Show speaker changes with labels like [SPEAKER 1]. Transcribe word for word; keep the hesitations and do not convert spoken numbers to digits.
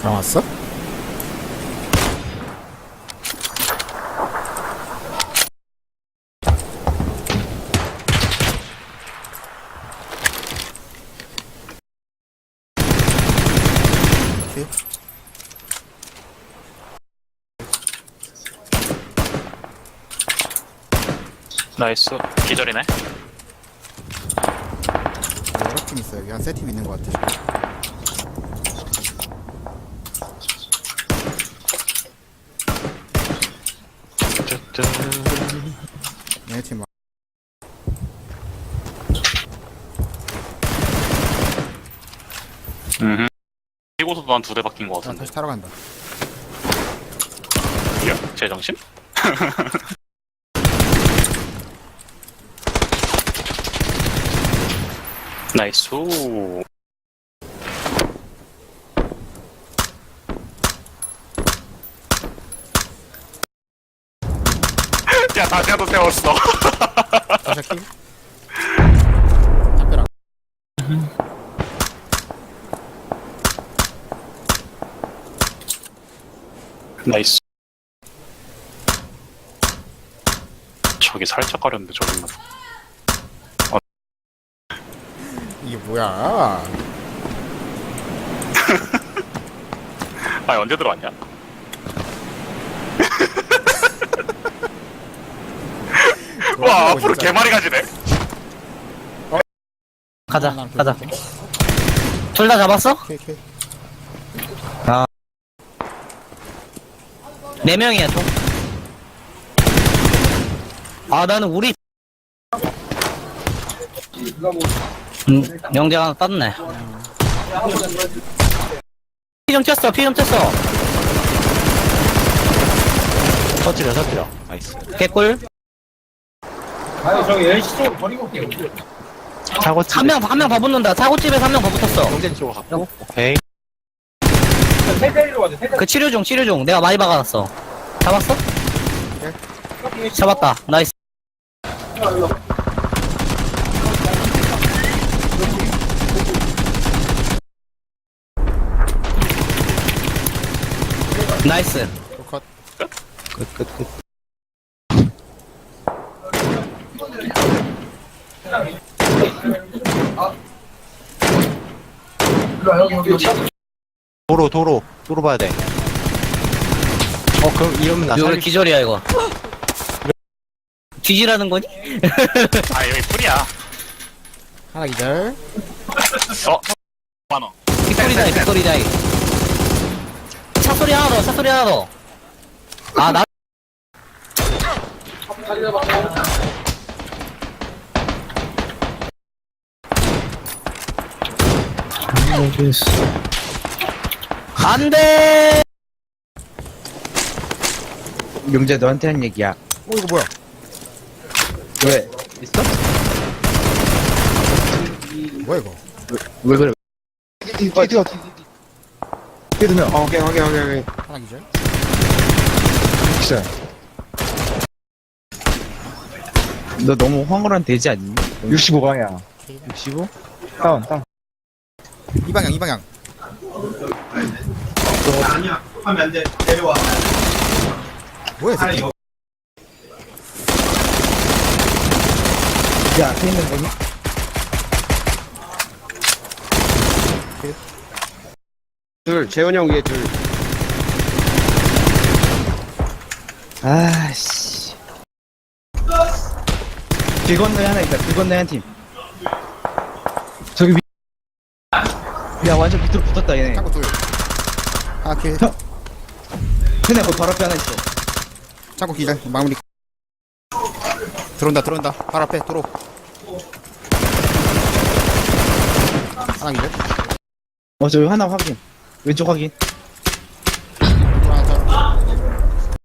[SPEAKER 1] 들어왔어? 오케이.
[SPEAKER 2] 나이스. 기절이네.
[SPEAKER 1] 여러 팀 있어요. 여기 한 세 팀 있는 것 같아. 얘네 팀 막.
[SPEAKER 2] 음. 이곳에도 한 두 대 바뀐 것
[SPEAKER 1] 아,
[SPEAKER 2] 같은데.
[SPEAKER 1] 다시 타러 간다.
[SPEAKER 2] 야, 제정신? 나이스. 야, 다시야도 세웠어.
[SPEAKER 1] 다시 할게. 담벼락.
[SPEAKER 2] 나이스. 저기 살짝 가렸는데 저기 있나?
[SPEAKER 1] 이게 뭐야?
[SPEAKER 2] 아, 언제 들어왔냐? 와, 앞으로 개마리 가지네.
[SPEAKER 3] 가자,
[SPEAKER 1] 하나
[SPEAKER 3] 가자.
[SPEAKER 1] 둘,
[SPEAKER 3] 둘 다 잡았어?
[SPEAKER 1] 오케이, 오케이.
[SPEAKER 3] 네 명이야, 총. 아, 나는 우리. 음, 영재가 하나 땄네. 피 좀 쳤어, 피 좀 쳤어.
[SPEAKER 4] 터뜨려 터뜨려 나이스
[SPEAKER 3] 개꿀.
[SPEAKER 4] 차고집
[SPEAKER 3] 한 명, 한 명 더 붙는다. 차고집에서 한 명 더 붙었어.
[SPEAKER 4] 경쟁 쪽으로 갔고 오케이
[SPEAKER 3] 그 치료 중, 치료 중. 내가 많이 박아놨어. 잡았어? 잡았다. 나이스. 나이스.
[SPEAKER 1] 컷.
[SPEAKER 4] 끝끝끝 도로 도로 도로 봐야 돼어 그럼 이러면 나
[SPEAKER 3] 이거 왜
[SPEAKER 4] 살릴
[SPEAKER 3] 기절이야, 이거. 뒤지라는 거니?
[SPEAKER 2] 아, 여기 풀이야.
[SPEAKER 1] 하나 기절.
[SPEAKER 2] 어? 만원.
[SPEAKER 3] 빅소리다이, 빅소리다이. 차소리 하나 더, 차소리 하나 더. 아, 나. 안 돼!
[SPEAKER 4] 용재 너한테 한 얘기야
[SPEAKER 1] 어, 이거 뭐야?
[SPEAKER 4] 왜 있어?
[SPEAKER 1] 뭐야, 이거?
[SPEAKER 4] 왜 그래 뛰어 뛰어 뛰어두면 어 오케이 오케이 오케이 오케이
[SPEAKER 1] 하나 기절.
[SPEAKER 4] 진짜 너 너무 황홀한 돼지 아니니? 육십오 방향 육십오? 다운 다운
[SPEAKER 1] 이 방향, 이 방향.
[SPEAKER 5] 아니야 하면 안돼 내려와
[SPEAKER 1] 뭐야, 이 새끼?
[SPEAKER 4] 야 앞에 있는 거니?
[SPEAKER 5] 둘 재훈이 형 위에 둘
[SPEAKER 4] 아씨 길 건너에 하나 있다 길 건너에 한팀 저기 위... 야 완전 밑으로 붙었다 얘네
[SPEAKER 1] 창고 둘. 하나 킬.
[SPEAKER 4] 걔네 거기 바로 앞에 하나 있어
[SPEAKER 1] 창고 기절. 마무리. 들어온다, 들어온다. 바로 앞에, 들어. 하나 기절.
[SPEAKER 4] 어 저기 하나 확인 왼쪽 확인